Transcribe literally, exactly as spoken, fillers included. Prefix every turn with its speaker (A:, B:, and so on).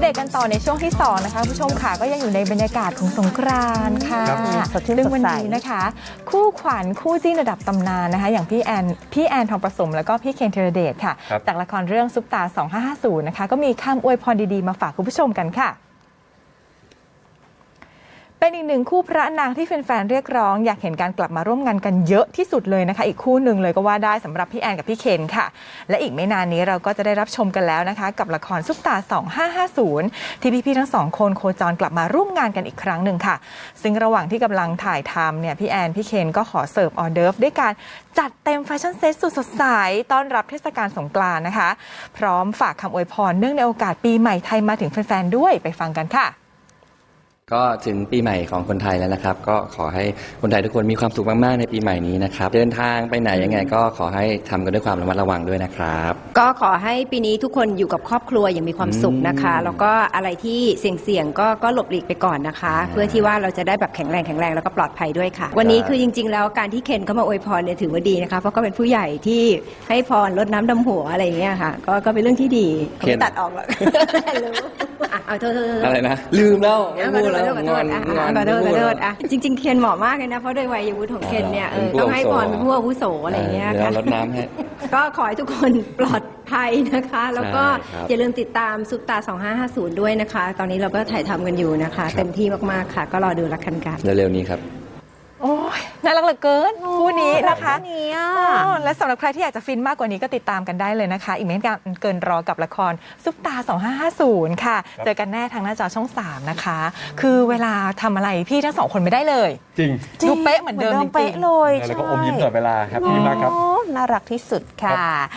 A: เดตกันต่อในช่วงที่สองนะคะผู้ชมค่ะก็ยังอยู่ในบรรยากาศของสงกรานต์ค่ะซึ่งวันนี้นะคะคู่ขวัญคู่จิ้นระดับตำนานนะคะอย่างพี่แอนพี่แอนทองประสมแล้วก็พี่เคนธีรเดชค่ะจากละครเรื่องซุปตาสองห้าห้าศูนย์นะคะก็มีคำอวยพรดีๆมาฝากคุณผู้ชมกันค่ะเป็นอีกหนึ่งคู่พระนางที่แฟนๆเรียกร้องอยากเห็นการกลับมาร่วมงานกันเยอะที่สุดเลยนะคะอีกคู่หนึ่งเลยก็ว่าได้สำหรับพี่แอนกับพี่เคนค่ะและอีกไม่นานนี้เราก็จะได้รับชมกันแล้วนะคะกับละครซุปตาสองห้าห้าศูนย์ที่พี่ๆทั้งสองคนโคจรกลับมาร่วมงานกันอีกครั้งหนึ่งค่ะซึ่งระหว่างที่กำลังถ่ายทำเนี่ยพี่แอนพี่เคนก็ขอเสิร์ฟออเดิร์ฟด้วยการจัดเต็มแฟชั่นเซ็ตสุดสดใสต้อนรับเทศกาลสงกรานต์นะคะพร้อมฝากคำอวยพรเนื่องในโอกาสปีใหม่ไทยมาถึงแฟนๆด้วยไปฟังกันค่ะ
B: ก็ถึงปีใหม่ของคนไทยแล้วนะครับก็ขอให้คนไทยทุกคนมีความสุขมากๆในปีใหม่นี้นะครับเดินทางไปไหนยังไงก็ขอให้ทำกันด้วยความระมัดระวังด้วยนะครับ
C: ก็ขอให้ปีนี้ทุกคนอยู่กับครอบครัวอย่างมีความสุขนะคะแล้วก็อะไรที่เสี่ยงๆก็ก็หลบหลีกไปก่อนนะคะเพื่อที่ว่าเราจะได้แบบแข็งแรงแข็งแรงแล้วก็ปลอดภัยด้วยค่ะวันนี้คือจริงๆแล้วการที่เคนเข้ามาอวยพรเนี่ยถือว่าดีนะคะเพราะก็เป็นผู้ใหญ่ที่ให้พรรดน้ำดำหัวอะไรอย่างเงี้ยค่ะก็ก็เป็นเรื่องที่ดีเขาไม่ตัดออกหรอกเอาโทษๆ
B: อะไรนะลืมแล้วไม่พูดแล้วงอน
C: งอนขอโทษขอโทษอ่ะจริงๆเคนเหมาะมากเลยนะเพราะโดยวัยวุฒิของเคนเนี่ยเออต้องให้พรเป็นผู้อาวุโสอะไรอย่างเงี้ยค่ะ
B: รดน้ำให้
C: ก็ขอให้ทุกคนปลอดภัยนะคะแล้วก็อย่าลืมติดตามซุปตาสองห้าห้าศูนย์ด้วยนะคะตอนนี้เราก็ถ่ายทำกันอยู่นะคะเต็มที่มากๆค่ะก็รอดูละกันกัน
B: เร็วๆนี้ครับ
A: โอ้ยน่ารักเหลือเกินคู่นี้นะคะ
C: นี้
A: และสำหรับใครที่อยากจะฟินมากกว่านี้ก็ติดตามกันได้เลยนะคะอีกไม่นานเกินรอกับละครซุปตาสองห้าห้าศูนย์ค่ะเจอกันแน่ทางหน้าจอช่องสามนะคะคือเวลาทำอะไรพี่ทั้งสองคนไม่ได้เลย
D: จริง
A: ดูเป๊ะเหมือนเดิมจริงๆ
D: แล้วก็อมยิ้มตลอดเวลาครับพี่มากครับ
C: น่ารักที่สุดค่ะ